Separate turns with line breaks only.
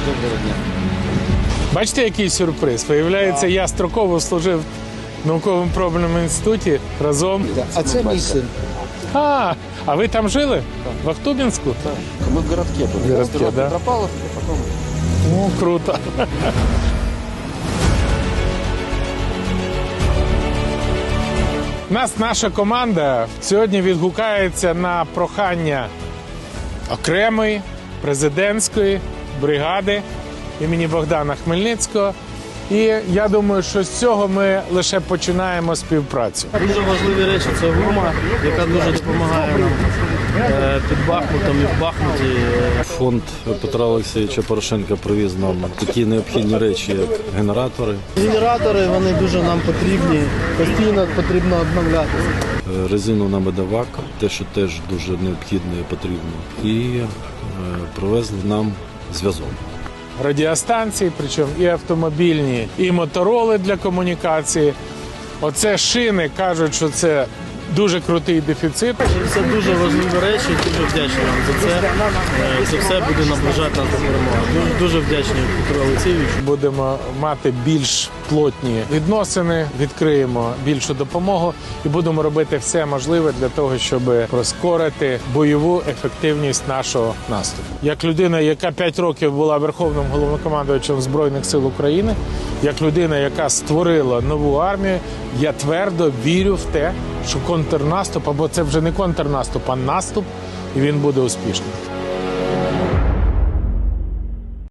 Доброго дня.
Бачите, який сюрприз? Виявляється, я строково служив в науково-пробному інституті разом.
А це мій син.
А ви там жили? В Ахтубінську?
Ми в городке були.
В городке,
Сперва
да?
Петропавловка, потім...
О, круто. Наша команда сьогодні відгукається на прохання окремої президентської бригади імені Богдана Хмельницького. І я думаю, що з цього ми лише починаємо співпрацю.
Дуже важливі речі – це гума, яка дуже допомагає нам під Бахмутом і в Бахмуті.
Фонд Петра Олексійовича Порошенка привіз нам такі необхідні речі, як генератори,
Генератори, вони дуже нам потрібні, постійно потрібно обновлятися.
резину на медовак, те, що теж дуже необхідно і потрібно, і привезли нам зв'язок.
Радіостанції, причому і автомобільні, і мотороли для комунікації. Оце шини, кажуть, що це дуже крутий дефіцит.
Це дуже важливі речі, дуже вдячні вам за це. Це все буде наближати нас до перемоги. Дуже вдячні Петру Олексійовичу.
Будемо мати більш плотні відносини, відкриємо більшу допомогу і будемо робити все можливе для того, щоб прискорити бойову ефективність нашого наступу. Як людина, яка 5 років була верховним головнокомандувачем Збройних сил України, як людина, яка створила нову армію, я твердо вірю в те, що контрнаступ, або це вже не контрнаступ, а наступ, і він буде успішним.